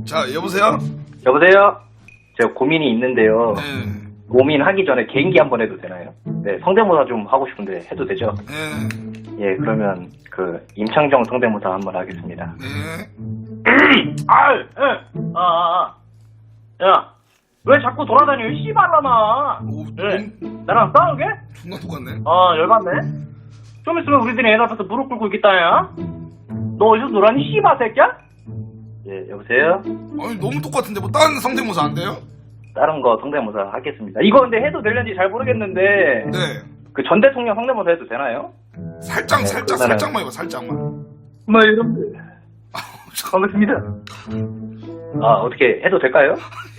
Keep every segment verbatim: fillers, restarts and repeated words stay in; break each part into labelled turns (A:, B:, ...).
A: 자, 여보세요?
B: 여보세요? 제가 고민이 있는데요.
A: 네.
B: 고민하기 전에 개인기 한번 해도 되나요? 네, 성대모사 좀 하고 싶은데 해도 되죠?
A: 네.
B: 예, 그러면 그 임창정 성대모사 한번 하겠습니다.
A: 네.
B: 아, 예. 아, 아, 아. 야, 왜 자꾸 돌아다녀? 씨발라마.
A: 오,
B: 네.
A: 너무
B: 나랑 싸우게?
A: 존나 똑같네.
B: 아, 열받네. 좀 있으면 우리들이 애 낳아서 무릎 꿇고 있겠다, 야. 너 어디서 놀았니, 씨발 새끼야? 예, 여보세요?
A: 아니, 너무 똑같은데, 뭐, 다른 성대모사 안 돼요?
B: 다른 거 성대모사 하겠습니다. 이거 근데 해도 되는지 잘 모르겠는데.
A: 네.
B: 그 전 대통령 성대모사 해도 되나요?
A: 살짝,
B: 네,
A: 살짝,
B: 그러면은-
A: 살짝만 해봐, 살짝만.
B: 뭐, 여러분들. 반갑습니다. 아, 어떻게 해도 될까요?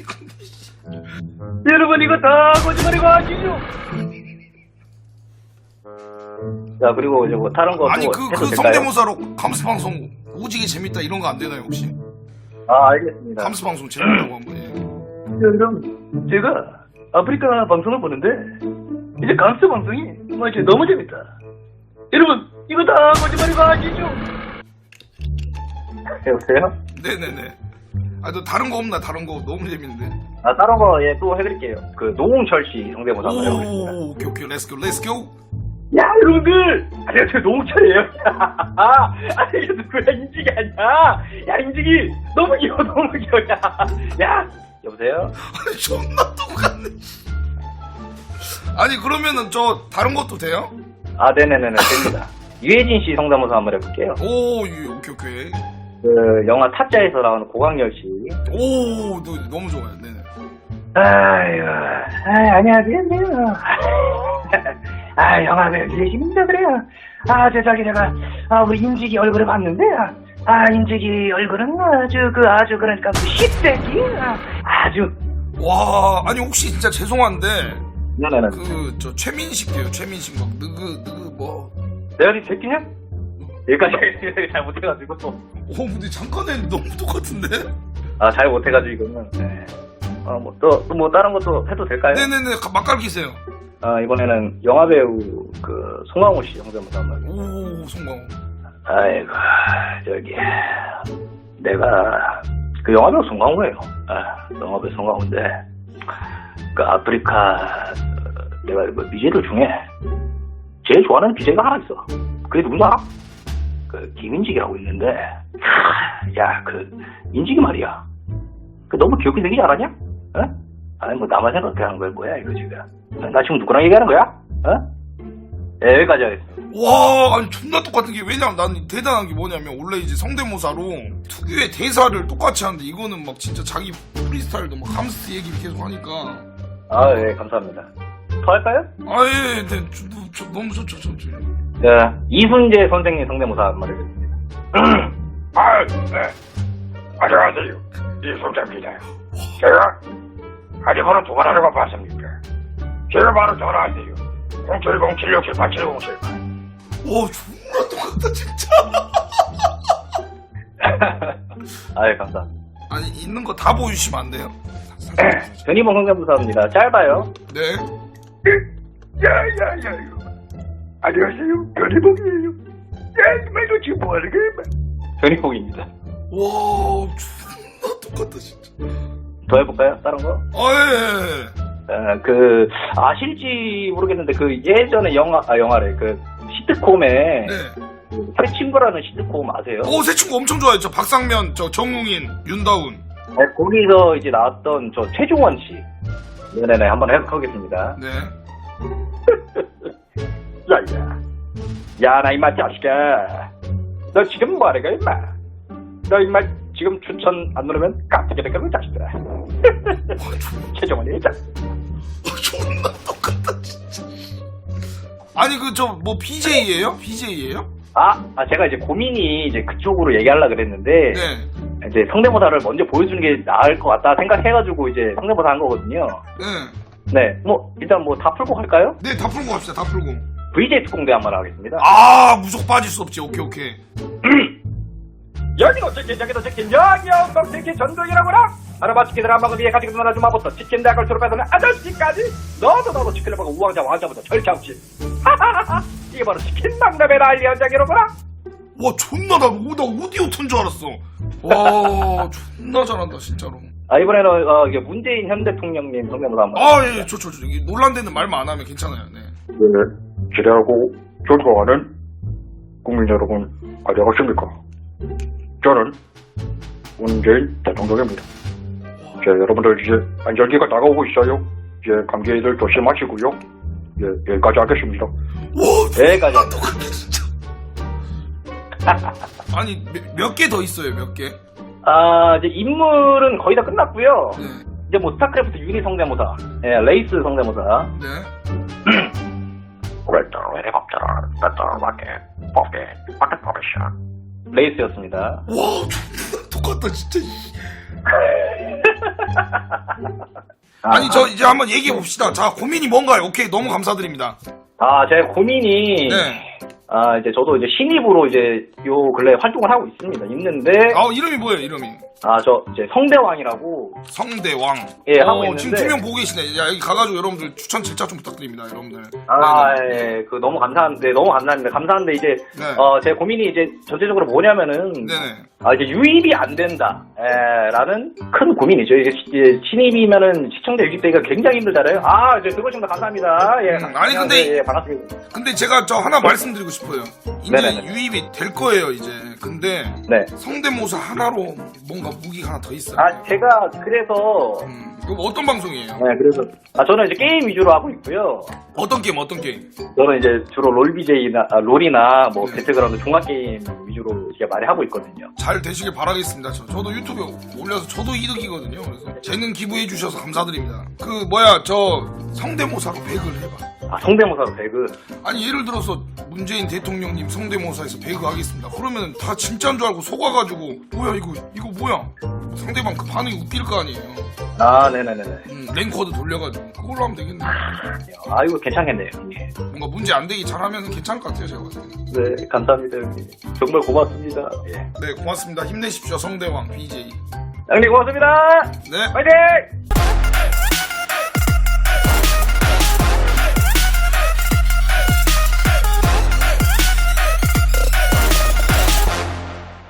B: 여러분, 이거 다 거짓말이고 아시죠? 자, 그리고 이제 뭐 다른 거
A: 아니,
B: 또
A: 그,
B: 해도
A: 그
B: 될까요?
A: 성대모사로 감스방송 오지게 재밌다 이런 거 안 되나요, 혹시?
B: 아, 알겠습니다.
A: 감스방송 재밌다고 한번 해.
B: 그럼 제가 아프리카 방송을 보는데 이제 감스 방송이 뭐 이제 너무 재밌다. 여러분, 이거 다 거짓말이고 아시죠? 여보세요?
A: 네네네. 아, 너 다른 거 없나? 다른 거 너무 재밌는데.
B: 아, 다른 거, 예, 또 해드릴게요. 그, 노홍철 씨 성대모사 한번 해보겠습니다.
A: 오, 오케이, 오케이. 렛츠고, 렛츠고.
B: 야, 여러분들! 안녕하세요, 노홍철이에요. 아, 아니, 이게 누구야, 인직이 아니야. 야, 인직이! 너무 귀여워, 너무 귀여워, 야. 야, 여보세요?
A: 아니, 존나 똑같네. 아니, 그러면은 저 다른 것도 돼요?
B: 아, 네네네네, 됩니다. 유해진 씨 성대모사 한번 해볼게요.
A: 오, 예, 오케이, 오케이.
B: 그, 영화 타짜에서 나오는 고강렬 씨.
A: 오, 너, 너무 좋아요. 네네.
B: 아유, 아, 안녕하세요. 아, 영화 배우 유해진입니다, 그래요. 아, 저, 저기, 제가, 아, 우리 인직이 얼굴을 봤는데, 아, 인직이 얼굴은 아주, 그, 아주, 그러니까, 그, 십세기, 아주.
A: 와, 아니, 혹시 진짜 죄송한데,
B: 네네네.
A: 그, 저, 최민식이에요, 최민식. 막, 느그, 느그, 뭐.
B: 내가 니 새끼냐? 여기까지 하겠습니다. 잘 못해가지고.
A: 오, 근데 잠깐 에 너무 똑같은데?
B: 아, 잘 못해가지고, 이거는. 네. 아, 뭐, 또, 또 뭐, 다른 것도 해도 될까요?
A: 네네네, 가- 맛깔기세요.
B: 아, 이번에는 영화배우, 그, 송강호 씨 성대모사 한번 하겠습니다.
A: 오, 송강호.
B: 아이고, 저기, 내가, 그 영화배우 송강호예요. 아, 영화배우 송강호인데, 그 아프리카, 내가 그 비제들 중에, 제일 좋아하는 비제가 하나 있어. 그게 누군지 알아? 그, 김인직이라고 있는데, 야, 그, 인직이 말이야. 그 너무 귀엽게 생기지 않았냐? 어? 아니, 뭐, 나만 생각해 하는 거야, 뭐야, 이거 지금. 나 지금 누구랑 얘기하는 거야? 어? 네, 여기까지 하겠습니다.
A: 와, 아니, 존나 똑같은 게, 왜냐면 난 대단한 게 뭐냐면, 원래 이제 성대모사로 특유의 대사를 똑같이 하는데, 이거는 막 진짜 자기 프리스타일도 막 함스트 얘기 계속 하니까.
B: 아, 예, 감사합니다. 더 할까요?
A: 아, 예, 네, 저, 저, 너무 좋죠, 저, 저.
B: 자, 이순재 선생님 성대모사 한번 해보겠습니다.
C: 아, 네. 안녕하세요. 이송자입니다. 제가 아직 번호 두 번 하는 거 봤습니까? 제가 바로 전화하세요. 공칠공 칠육칠팔 칠공칠팔.
A: 와, 존나 똑같다, 진짜.
B: 아유, 감사합니다.
A: 아니, 있는 거 다 보여주시면 안 돼요?
B: 변희봉 성대모사입니다. 짧아요.
A: 네.
C: 야야야. 안녕하세요. 변희봉이에요. 야, 이말 너 지금 뭐 하는 거야?
B: 변희봉입니다.
A: 와, 존나 똑같다, 진짜.
B: 더 해볼까요? 다른 거?
A: 아, 예, 예.
B: 어, 그, 아실지 모르겠는데, 그, 예전에 영화, 아, 영화래. 그, 시트콤에,
A: 네.
B: 그, 새 친구라는 시트콤 아세요?
A: 오, 새 친구 엄청 좋아했죠. 박상면, 저, 정웅인, 윤다운.
B: 네, 거기서 이제 나왔던 저 최종원 씨. 네네네, 한번 해보겠습니다.
A: 네.
B: 야, 야. 야, 나 임마 자식아. 너 지금 뭐하는 거야, 임마? 너 임마 지금 추천 안 누르면 깜짝이야, 그 자식들아. 최종원이 자식.
A: 아, 존나 똑같다, 진짜. 아니, 그, 저, 뭐, 비제이예요? 비제이예요?
B: 아, 아, 제가 이제 고민이 이제 그쪽으로 얘기하려고 그랬는데,
A: 네.
B: 이제 성대모사를 먼저 보여주는 게 나을 것 같다 생각해가지고 이제 성대모사 한 거거든요.
A: 네.
B: 네, 뭐, 일단 뭐 다 풀고 갈까요?
A: 네, 다 풀고 갑시다, 다 풀고.
B: 브이제이 특공대 한번 하겠습니다.
A: 아, 무조건 빠질 수 없지. 오케이, 오케이.
B: 여기도 치킨, 저기도 치킨, 영영동 치킨 전동이라구나! 아르바 치킨을 한 방울 위에 가지고 놀아준 마부터 치킨 대학을 졸업해서는 아저씨까지 너도 너도 치킨을 먹고 우왕좌 왕좌부터 절창치. 하하하하! 이게 바로 치킨 박람회 난리 현장이로구나!
A: 와, 존나 나, 오, 나 오디오 튼 줄 알았어. 와 존나 잘한다 진짜로.
B: 아, 이번에는, 어, 이게 문재인 현 대통령님 성대모사 한번.
A: 아예 좋죠 좋죠. 이게 논란되는 말만 안 하면 괜찮아요. 네.
C: 네, 기대하고 존경하는 국민 여러분, 안녕하십니까. 저는 문재인 대통령입니다. 자, 여러분들 이제 안전기가 다가오고 있어요. 이제 감기들 조심하시고요. 예, 여기까지 하겠습니다.
A: 와
B: 여기까지
A: 존나 똑같네 진짜. 아니 몇 개 더 있어요 몇 개?
B: 아, 이제 인물은 거의 다 끝났고요.
A: 네.
B: 이제 뭐 스타크래프트 유닛 성대모사, 예, 레이스 성대모사.
A: 네.
C: 웨터, 헬리콥터, 배터, 라켓, 포켓, 포켓 포르샤.
B: 레이스였습니다.
A: 와 존나 똑같다 진짜. 아니 저 이제 한번 얘기해 봅시다. 자 고민이 뭔가요? 오케이 너무 감사드립니다.
B: 아, 제 고민이,
A: 네.
B: 아, 이제 저도 이제 신입으로 이제 요 근래 활동을 하고 있습니다. 있는데,
A: 아 이름이 뭐예요 이름이?
B: 아, 저 이제 성대왕이라고,
A: 성대왕.
B: 예, 하고
A: 어,
B: 있는데.
A: 지금 두 명 보고 계시네. 야 여기 가가지고 여러분들 추천 질자 좀 부탁드립니다 여러분들.
B: 아,
A: 네, 네.
B: 예, 그 너무 감사한데, 너무 감사합니다. 감사한데 이제,
A: 네.
B: 어, 제 고민이 이제 전체적으로 뭐냐면은,
A: 네네.
B: 아, 이제 유입이 안 된다, 에, 라는 큰 고민이죠. 이게 시- 이제 신입이면은 시청자 유입되기가 굉장히 힘들잖아요. 아, 이제 들어오신 거 감사합니다. 예,
A: 음, 아니, 근데-
B: 예, 반갑습니다.
A: 근데 제가 저 하나 말씀드리고 싶어요. 이제
B: 네네네.
A: 유입이 될 거예요 이제. 근데
B: 네.
A: 성대모사 하나로 뭔가 무기가 하나 더 있어요.
B: 아, 제가 그래서,
A: 음, 이거 어떤 방송이에요?
B: 네, 그래서, 아, 저는 이제 게임 위주로 하고 있고요.
A: 어떤 게임 어떤 게임?
B: 저는 이제 주로 롤비제이나, 아, 롤이나 뭐
A: 네.
B: 배틀그라운드 종합게임 위주로 제가 많이 하고 있거든요.
A: 잘 되시길 바라겠습니다. 저, 저도 유튜브에 올려서 저도 이득이거든요. 그래서 재능 기부해 주셔서 감사드립니다. 그 뭐야 저 성대모사로 배그를 해봐.
B: 아, 성대모사로 배그.
A: 아니 예를 들어서 문재인 대통령님 성대모사에서 배그 하겠습니다. 그러면 다 진짜인 줄 알고 속아가지고 뭐야 이거 이거 뭐야? 상대방 그 반응이 웃길 거 아니에요.
B: 아, 네네네네.
A: 음, 랭커드 돌려가지고 그걸로 하면 되겠네.
B: 아, 이거 괜찮겠네요, 형님.
A: 뭔가 문제 안 되기 잘하면 괜찮을 것 같아요 제가 봤을 때는.
B: 네, 감사합니다, 형님. 정말 고맙습니다. 예.
A: 네 고맙습니다. 힘내십시오 성대왕 비제이.
B: 형님 고맙습니다!
A: 네.
B: 화이팅!